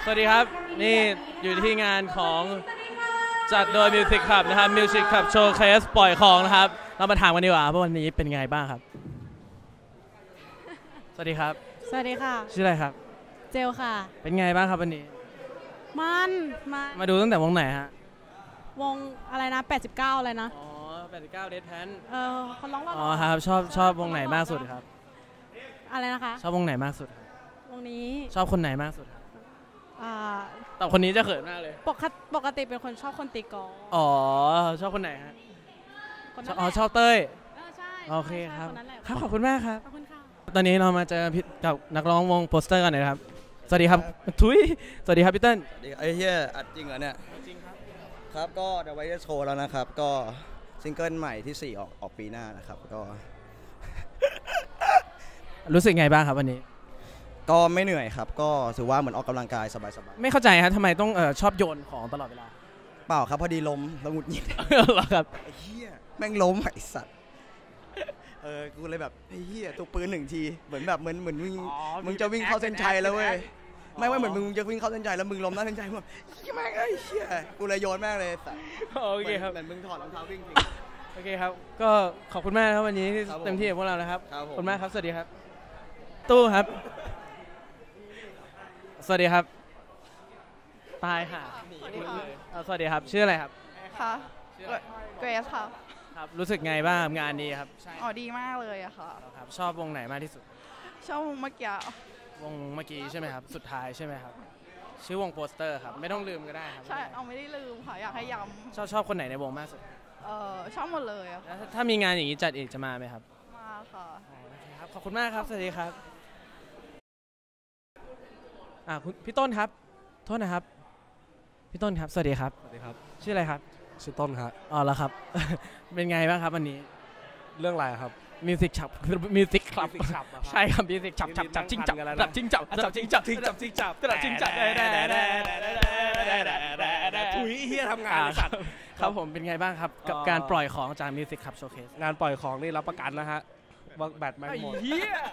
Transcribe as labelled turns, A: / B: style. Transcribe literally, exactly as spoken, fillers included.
A: วัสดีครับนี่อยู่ที่งานของจัดโดย Music Club นะครับ Music Club Showcase ปล่อยของนะครับเรามาถามกันดีกว่าว่าวันนี้เป็นไงบ้างครับสวัสดีครับ
B: สวัสดีค่ะ
A: ชื่ออะไรครับ
B: เจลค่ะ
A: เป็นไงบ้างครับวันนี้
B: มันมา
A: มาดูตั้งแต่วงไหนฮะ
B: วงอะไรนะแปดสิบเก้าอะไรนะ
A: อ๋อแปดสิบเก้า Dead Pan
B: เออคนร้องว่า
A: อ๋อครับชอบชอบวงไหนมากสุดครับ
B: อะไรนะคะ
A: ชอบวงไหนมากสุด
B: วงนี้
A: ชอบคนไหนมากสุด
B: อ่า
A: แต่คนนี้จะเขินมากเลย
B: ปกติปกติเป็นคนชอบคนตีกอล์ฟ
A: อ๋อชอบคนไหนฮะอ๋อชอบเต้ย
B: ใช่
A: โอเคครับครับขอบคุณมากครับ
B: ขอบคุณค่ะ
A: ตอนนี้เรามาเจอกับนักร้องวงโปสเตอร์กันนะครับสวัสดีครับทุยสวัสดีครับพี่เติ้ล
C: ไอ้เหี้ยอัดจริงเหรอเนี่ย
A: จริงครับ
C: ครับก็เดี๋ยวไว้จะโชว์แล้วนะครับก็ซิงเกิลใหม่ที่สี่ออกออกปีหน้านะครับก็
A: รู้สึกไงบ้างครับวันนี้
C: ก็ไม่เหนื่อยครับก็ถือว่าเหมือนออกกำลังกายสบาย
A: ๆไม่เข้าใจครับทำไมต้องเออชอบโยนของตลอดเวลา
C: เปล่าครับพอดีล้มแล้วหงุดหงิด
A: เหรอครับ
C: ไอ้เหี้ยแม่งล้มไอ้สัตว์เออกูเลยแบบไอ้เหี้ยตัวปืนหนึ่งทีเหมือนแบบเหมือนเหมือนมึงมึงจะวิ่งเข้าเส้นชัยแล้วเว้ยไม่ว่าเหมือนมึงจะวิ่งเข้าเส้นชัยแล้วมึงล้มหน้าเส้นชัยแบบแม่งไอ้เหี้ยกูเลยโยนแม่งเลยสัตว์
A: โอเคครับ
C: เหมือนมึงถอดรองเท้าวิ่งจริง
A: โอเคครับก็ขอบคุณมากครับวันนี้ที่เต็มที่กับพวกเรานะครับขอบคุณมากครับสวัสดีครับตู้ครับสวัสดีครับตายค่ะสวัสดีครับชื่ออะไรครับ
D: ค่ะเกรซค่ะ
A: ครับรู้สึกไงบ้างงานนี้ครับ
D: อ๋อดีมากเลยอะค่ะ
A: ครับชอบวงไหนมากที่สุด
D: ชอบวงเมื่อกี้
A: วงเมื่อกี้ใช่ไหมครับสุดท้ายใช่ไหมครับชื่อวงโปสเตอร์ครับไม่ต้องลืมก็ได้ครับ
D: ใช่เอาไม่ได้ลืมค่ะอยากให้ย้
A: ำชอบชอบคนไหนในวงมากสุด
D: เออชอบหมดเลยอะ
A: ถ้ามีงานอย่างนี้จัดอีกจะมาไหมครับ
D: มาค่ะ
A: ครับขอบคุณมากครับสวัสดีครับอ่าคุณพี่ต้นครับโทษนะครับพี่ต้นครับสวัสดีครับ
E: สวัสดีครับ
A: ชื่ออะไรครับ
E: ชื่อต้นครับ
A: อ๋อแล้วครับเป็นไงบ้างครับวันนี้
E: เรื่องอะไรครับ
A: มิวสิกฉับมิวสิกคลับใช่ครับมิวสิกฉับฉับจับจิ้งจับจับจิ้งจับจับจิ้งจับจิ้งจับจิ้งจับจับจิ้งจับได้ได้ได้ได้
E: ถุยเฮียทำงานสัตว์
A: ครับผมเป็นไงบ้างครับกับการปล่อยของจากมิวสิกคลับโชว์เคส
E: งานปล่อยของนี่รับประกันนะฮะว่าแบตไม่หมด